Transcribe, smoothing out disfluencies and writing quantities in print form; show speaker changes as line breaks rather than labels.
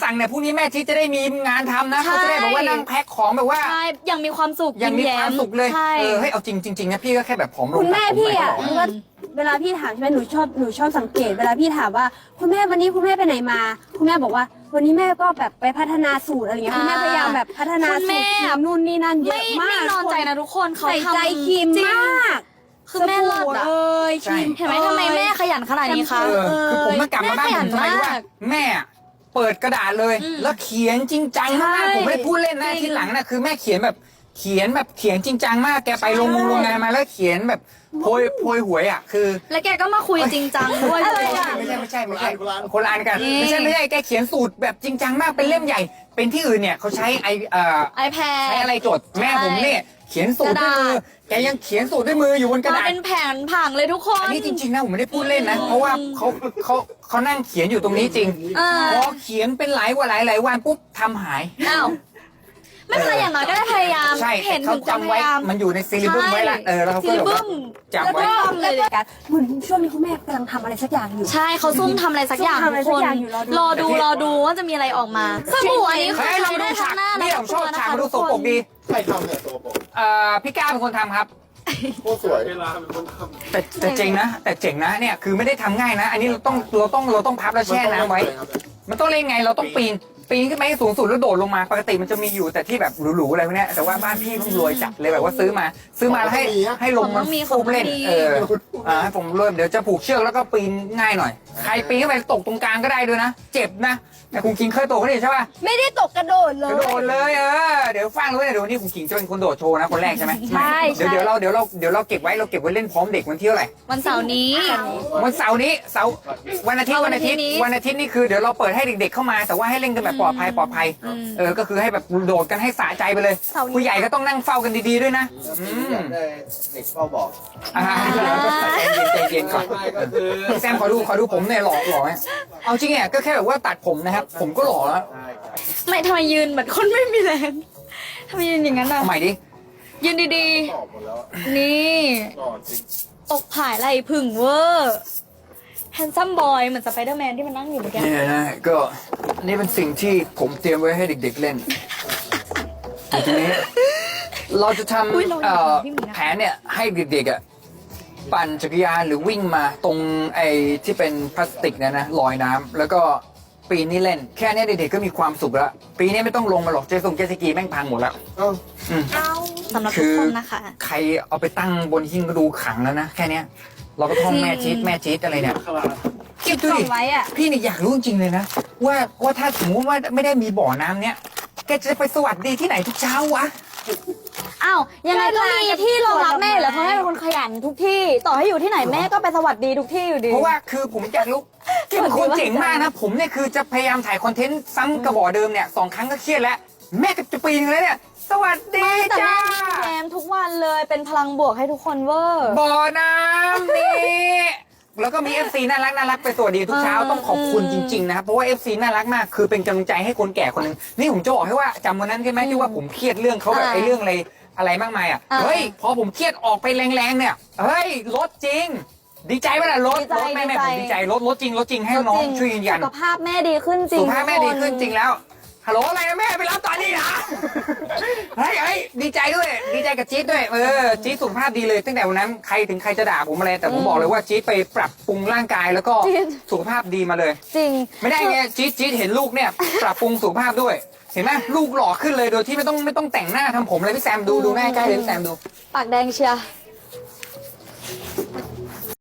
สั่งเนี่ยพรุ่งนี้แม่ชีจะได้มีงานทำนะ
ใช่
เขาจะได้แบบว่านั่งแพ็คของแบบว่า
ใช่ยังมีความสุข
ยังมี
ยิ้
ความสุขเลย
ใช่
เฮ้ยเอาจริงๆนะพี่ก็แค่แบบผอมลง
คุณแม่
ตัดผ
พี่
ไป
อ่ะ
ก็พ
ว่าเวลาพี่ถามใช่ไหมหนูชอบสังเกต เวลาพี่ถามว่าคุณแม่วันนี้คุณแม่ไปไหนมา คุณแม่บอกว่า วันนี้แม่ก็แบบไปพัฒนาสูตรอะไรเงี้ยคุณแม่พยายามแบบพัฒนา
คุณ
สู
แม่
ตรครีมนู่นนี่นั่นเย
ไม่
อะมาก
นอนใจนะทุกคนเขา
ใส่
ทำ
ใจครีม
จง
มาก
คือแม่เลิศ
สบู่
อะ
เอ้ยครีม
เห็นไหมทำไมแม่ขยันขนาดนี้คะ
คือผมมากลับมาบ้านผมทำไมรู้ว่า
แม่ขยันมาก
แม่เปิดกระดาษเลย แล้วเขียนจริงจังมาก
ใช่
ผมไม่ได้พูดเล่นนะ
จริง
ที่หลังนะคือแม่เขียนแบบเขียนจริงจังมากแกไปโรงงานมาแล้วเขียนแบบโพยหวยอ่ะคือ
แล้วแกก็มาคุยจริงจังด้วย
อะไรอะ
ไม่ใช่คนละอันกันไม่ใช่แกเขียนสูตรแบบจริงจังมากเป็นเล่มใหญ่ เป็นที่อื่นเนี่ยเขาใช้
ไอแพด
ใช้อะไรจดแม่ผมเนี่ยเขียนสูตรด้วยมือแกยังเขียนสูตรด้วยมืออยู่บนกระ
มา
ดาษ
เป็นแผนผังเลยทุกคน
อันนี้จริงๆนะผมไม่ได้พูดเล่นนะ เพราะว่าเขานั่งเขียนอยู่ตรงนี้จริง
อ่า
พอเขียนเป็นหลายวันปุ๊บทำหาย
อ้าวไม่เป็นไรอย่างน้อยก็ได้พยายาม
ใช่
เห็น
เขา
ถึงความ
จำ
พ
ไว้
ยายาม
มันอยู่ในซีรีบึ้มไว้ละแล้วเขาก็
ซีรี
แบบ
บึ้
ว่าม จำไว้
แล้วก็เลย
กันเหมือนช่วงนี้คุณแม่กำลังทำอะไรสักอย่างอยู่
ใช่เขาซุ่มทำอะไรสักอย่าง
ซุ่มทำอะไร
ทุก
สั
ค
ก
น
อย่างอยู่ร
ร
อ
อ
ดู
ดูว่าจะมีอะไรออกมาสบู่อันนี้คือ
เฮ้ยเรา
ใช้
ดู
ได้ทั้
ฉาก
งหน้าและ
นี่ผ
ทั้
ม
ง
ช
ตั
อบ
วนะ
ฉาก
คะ
มาดู
ทุก
ส
ค
กปร
น
กดี
ใครทำเนี่ยตัวผม
พี่ก้าเป็นคนทำครับ
โคตรสวยเวลาเป็นคนทำ
แต่เจ๋งนะเนี่ยคือไม่ได้ทำง่ายนะ อันนี้เราต้องพับแล้วแช่น้ำไว้ มันต้องเล่นไงเราต้องปีนขึ้นไปให้สูงสุดแล้วโดดลงมาปกติมันจะมีอยู่แต่ที่แบบหรูๆอะไรพวกเนี้ยแต่ว่าบ้านพี่เพิ่งรวยจัดเลยแบบว่าซื้อมาแล้วให้ลงมันฟูเล่นให้ผมเริ่มเดี๋ยวจะผูกเชือกแล้วก็ปีนง่ายหน่อยใครปีนขึ้นไปตกตรงกลางก็ได้ด้วยนะเจ็บนะแต่คุณคิงเคยตกกันดิใช่ป่ะ
ไม่ได้ตกกระโดดเล
ก
ย
ระโดดเลยเดี๋ยวฟังรู้เนี่ยเดี๋ยววันนี้คุณคิงจะเป็นคนโดดโชว์นะคนแรกใช่ไหม
ใช่
เดี๋ยวเราเก็บไว้เล่นพร้อมเด็กวันที่เท่าไหร่
วันเสาร์นี้
วันเสาร์นี้วันอาทิตย์นี่คือเดี๋ยวเราเปิดให้เด็กๆเข้ามาแต่ว่าให้เล่นกันแบบปลอดภัยก็คือให้แบบโดดกันให้สะใจไปเลยผู้ใหญ่ก็ต้องนั่งเฝ้ากันดีๆด้วยนะ
อยากได้เด็กเฝ้าบอก
ใจเย็นก่อน
ไม่ก็คือ
แซมขอดูผมเนี่ยหล่อไหมเอาจริงเนี่ยก็แค่แบบว่าตัดผมนะครับผมก็หล่อแล้ว
ใช่ครับ
ไม่ทำไมยืนเหมือนคนไม่มีแรงทำไมยืนอย่างนั้นอ่ะ
ใหม่ดิ
ยืนดี
ตอบหมดแล้วอะ
ๆ นี่
หล่อจริง
อกผายไหลผึ่งเวอร์แฮนซัมบอยเหมือนสไปเดอร์แมนที่มันนั่งอยู่เมื่อกี้
เนี่ยนะก็นี่เป็นสิ่งที่ผมเตรียมไว้ให้เด็กๆเล่นทีนี้เราจะทำแผนเนี่ยให้เด็กๆปั่นจักรยานหรือวิ่งมาตรงไอ้ที่เป็นพลาสติกนะลอยน้ำแล้วก็ปีนี้เล่นแค่นี้เด็กๆก็มีความสุขแล้วปีนี้ไม่ต้องลงมาหรอกเจสกีแม่งพังหมดแล้ว
เอ้า
สำหรับทุกคนนะคะ
ใครเอาไปตั้งบนหิ้งก็ดูขังแล้วนะแค่เนี้ยเราก็ท่องแม่จี๊ดอะไรเนี่ย
คารา
คิดดูดิ
ส่งไว้อะ
พี่เนี่ยอยากรู้จริงๆเลยนะว่าถ้าสมมติว่าไม่ได้มีบ่อน้ำเนี้ยแกจะไปสวัสดีที่ไหนทุกเช้าวะ
อ้าวยังไงก็มีที่รองรับแม่อยู่แล้วเพราะแม่เป็นคนขยันทุกที่ ต่อให้อยู่ที่ไหนแม่ก็ไปสวัสดีทุกที่อยู่ดี
เพราะว่าคือผมอยากรู้ที่เป็นคนเจ๋งมากนะผมเนี่ยคือจะพยายามถ่ายคอนเทนต์ซ้ำกระบอกเดิมเนี่ย2 ครั้งก็เครียดแล้วแม่ก็จะปีนึงแล้วเนี่ยสวัสดี
แต่
จ้า
แม่มีแรมทุกวันเลยเป็นพลังบวกให้ทุกคนเวอร์
บ่อน้ำนี่แล้วก็มี FC น่ารักไปสวัสดีทุกเช้าต้องขอบคุณจริงๆนะครับเพราะว่า FC น่ารักมากคือเป็นกำลังใจให้คนแก่คนหนึงนี่ผมจะบอกให้ว่าจำวันนั้นใช่ไหมที่ว่าผมเครียดเรื่องเขาแบบไอ้เรื่องอะไรมากมายอ่ะเฮ้ยพอผมเครียดออกไปแรงๆเนี่ยเฮ้ยลดจริง ดีใจป่ะล่ะลดแม่ผมดีใจลดจริงให้น้องช่วยยืนยัน
สุขภาพแม่ดีขึ้นจริง
สุขภาพแม่ดีขึ้นจริงแล้วฮัลโหลอะไรนะแม่ไปรับตอนนี้นะเฮ้ยดีใจด้วยดีใจกับจี๊ดด้วยจี๊ดสุขภาพดีเลยตั้งแต่วันนั้นใครจะด่าผมอะไรแต่ผมบอกเลยว่าจี๊ดไปปรับปรุงร่างกายแล้วก็สุขภาพดีมาเลย
จริง
ไม่ได้ไงจี๊ดเห็นลูกเนี่ยปรับปรุงสุขภาพด้วย เห็นไหมลูกหล่อขึ้นเลยโดยที่ไม่ต้องแต่งหน้าทำผมเลยพี่แซมดูแม่ใกล้เลยพี่แซมดู
ปากแดงเชียร์